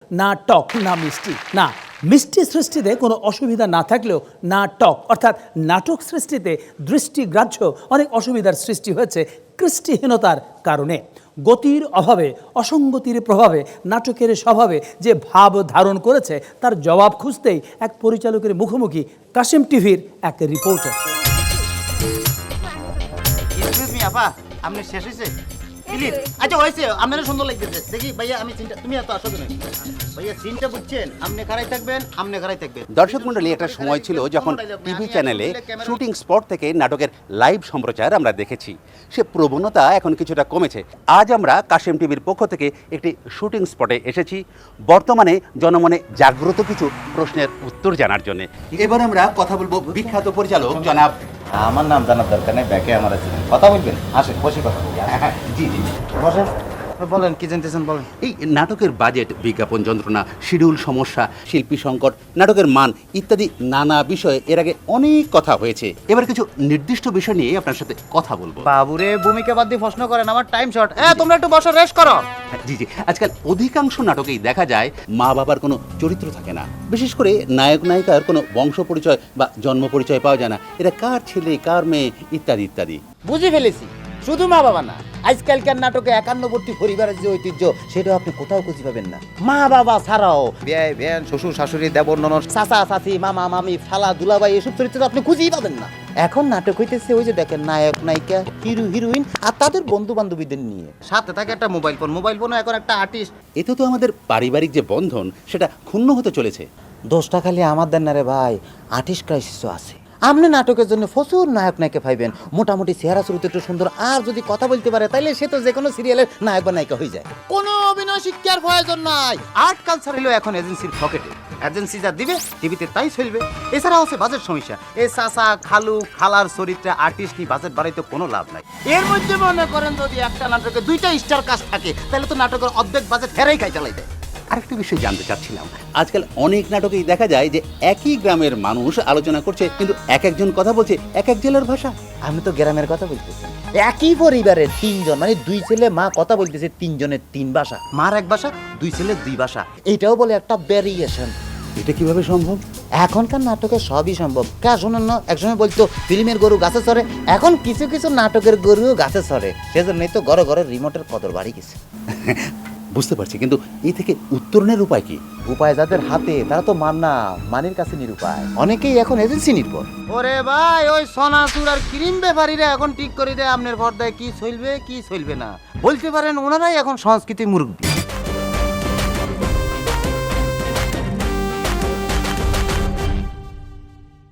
না টক না মিষ্টি। না, মিষ্টি সৃষ্টিতে কোনো অসুবিধা না থাকলেও না টক, অর্থাৎ নাটক সৃষ্টিতে দৃষ্টিগ্রাহ্য অনেক অসুবিধার সৃষ্টি হয়েছে কৃষ্টিহীনতার কারণে। গতির অভাবে, অসঙ্গতির প্রভাবে নাটকের স্বভাবে যে ভাব ধারণ করেছে তার জবাব খুঁজতেই এক পরিচালকের মুখোমুখি কাশেম টিভির এক রিপোর্টার। আপা আপনি শেষ হয়েছে? আচ্ছা হয়েছে, আপনারও সুন্দর লাগতেছে। দেখি ভাইয়া আমি চিন্তা, তুমি এত আসো কেন ভাইয়া? চিন্তা বুঝছেন, আপনি খারাই থাকবেন, আপনি খারাই থাকবেন। দর্শক মণ্ডলী, একটা সময় ছিল যখন টিভি চ্যানেলে শুটিং স্পট থেকে নাটকের লাইভ সম্প্রচার আমরা দেখেছি। সে প্রবণতা এখন কিছুটা কমেছে। আজ আমরা কাশেম টিভির পক্ষ থেকে একটি শুটিং স্পটে এসেছি বর্তমানে জনমনে জাগ্রত কিছু প্রশ্নের উত্তর জানার জন্য। এবার আমরা কথা বলবো বিখ্যাত পরিচালক জনাব। আমার নাম জানার দরকার নেই, ব্যাকে আমার আছে, কথা বলবেন, আসেন বসে কথা বলি। জি জি বসেন, বলেন কি জানতেছেন বলেন। এই নাটকের বাজেট, বিজ্ঞাপন যন্ত্রণা, শিডিউল সমস্যা, শিল্পী সংকট, নাটকের মান ইত্যাদি নানা বিষয়ে এর আগে অনেক কথা হয়েছে। এবার কিছু নির্দিষ্ট বিষয় নিয়ে আপনার সাথে কথা বলবো। বাবুরে ভূমিকা বাদ দিয়ে প্রশ্ন করেন, আমার টাইম শর্ট। তোমরা একটু বসো, রেস্ট করো। জি জি, আজকাল অধিকাংশ নাটকেই দেখা যায় মা বাবার কোনো চরিত্র থাকে না। বিশেষ করে নায়ক নায়িকার কোনো বংশ পরিচয় বা জন্ম পরিচয় পাওয়া যায় না। এরা কার ছেলে, কার মেয়ে ইত্যাদি ইত্যাদি। বুঝে ফেলেছি, শুধু মা বাবা না, আজকালকার নাটকে একান্নবর্তী পরিবারের যে ঐতিহ্য সেটাও আপনি কোথাও খুঁজে পাবেন না। মা বাবা ছাড়াও বিয়ে বেন, শ্বশুর শাশুড়ি, দেবর ননদ, চাচা চাচি, মামা মামি, খালা দুলাভাই, এসব চরিত্র আপনি খুঁজেই পাবেন না। এখন নাটক হইতেছে ওই যে দেখেন নায়ক নায়িকা, হিরো হিরোইন আর তাদের বন্ধু বান্ধবীদের নিয়ে, সাথে থাকে একটা মোবাইল ফোন, মোবাইল ফোনও এখন একটা আর্টিস্ট। এতে তো আমাদের পারিবারিক যে বন্ধন সেটা ক্ষুণ্ণ হতে চলেছে। দোষটা খালি আমার দেন না রে ভাই, আর্টিস্ট ক্রাইসিসও আছে। আপনি নাটকের জন্য প্রচুর নায়ক নায়িকা পাইবেন, মোটামুটি চেহারা চরিত্র একটু সুন্দর আর যদি কথা বলতে পারে তাইলে সে তো যে কোনো সিরিয়ালের নায়ক বা নায়িকা হয়ে যায়। কোনো অভিনয় শিক্ষার প্রয়োজন নাই। আর্ট কালচার হলো এখন এজেন্সির পকেটে, এজেন্সি যা দিবে টিভিতে তাই চলবে। এছাড়াও আছে বাজেট সমস্যা। এই চাচা খালু খালার চরিত্রে আর্টিস্ট নিয়ে বাজেট বাড়াইতে কোনো লাভ নাই। এর মধ্যে মনে করেন যদি একটা নাটকে 2টা স্টার কাস্ট থাকে তাহলে তো নাটকের অর্ধেক বাজেট হেরাই খাই চালাই দেয়। আরেকটা বিষয় জানতে চাচ্ছিলাম, আজকাল অনেক নাটকেই দেখা যায় যে একই গ্রামের মানুষ আলোচনা করছে কিন্তু এক একজন কথা বলছে এক এক জেলার ভাষা। আমি তো গ্রামের কথা বলতেছি। একই পরিবারের 3জন, মানে 2 ছেলে মা কথা বলতেছে 3 জনের 3 ভাষা, মার 1 ভাষা, 2 ছেলের 2 ভাষা। এটাও বলে একটা ভ্যারিয়েশন। এটা কিভাবে সম্ভব? এখনকার নাটকে সবই সম্ভব। কা শোনেন না, একসময় বলতো ফিল্মের গরু গাছে চড়ে, এখন কিছু কিছু নাটকের গরুও গাছে চড়ে। সেজন্যই তো ঘরে ঘরে রিমোটের কদর বাড়ি গেছে। বুঝতে পারছি, কিন্তু এই থেকে উত্তরণের উপায় কি? উপায় যাদের হাতে তারা তো মানের কাছে নিরুপায়। অনেকেই এখন এজেন্সি নির্ভর। ওরে ভাই, ওই সোনাচুর আর ক্রিম ব্যাপারীরা এখন ঠিক করে দেয় আপনার পর্দায় কি চলবে কি চলবে না। বলতে পারেন ওনারাই এখন সংস্কৃতি মুরব্বী।